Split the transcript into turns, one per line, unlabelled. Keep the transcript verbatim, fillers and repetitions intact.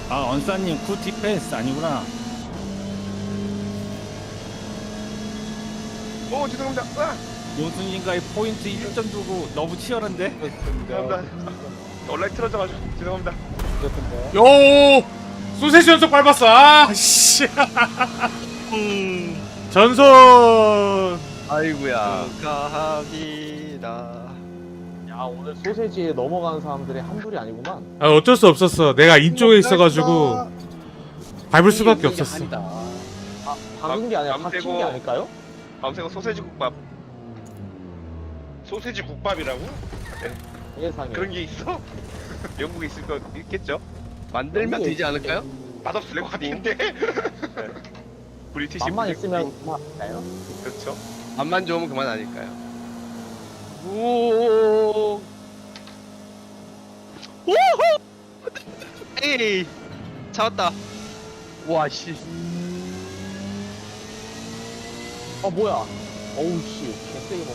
아 언사님 굿 디펜스 아니구나.
오 죄송합니다. 아,
용순님과의 포인트 일 점 두고 너무 치열한데?
죄송합니다. 온라인 틀어져가지고 죄송합니다.
요 소세지 연속 밟았어. 아씨. 전선.
아이구야.
축하합니다.
야 오늘 소세지에 넘어가는 사람들이 한둘이 아니구만.
아, 어쩔 수 없었어. 내가 인쪽에 있어가지고 밟을 수밖에 없었어.
아, 박은 게 아니라
남-
박힌
남대고-
게 아닐까요?
밤새고 소세지 국밥. 소세지 국밥이라고?
예상에.
그런 게 있어? 영국에 있을 거 있겠죠?
만들면 되지 않을까요?
맛없을 것 같은데. 네. 브리티시
맛만
푸드
있으면
국밥.
그만할까요?
그렇죠.
맛만 좋으면 그만 아닐까요?
오. 오호. 에이. 잡았다.
와 씨.
어 뭐야? 어우 씨 개세게 먹.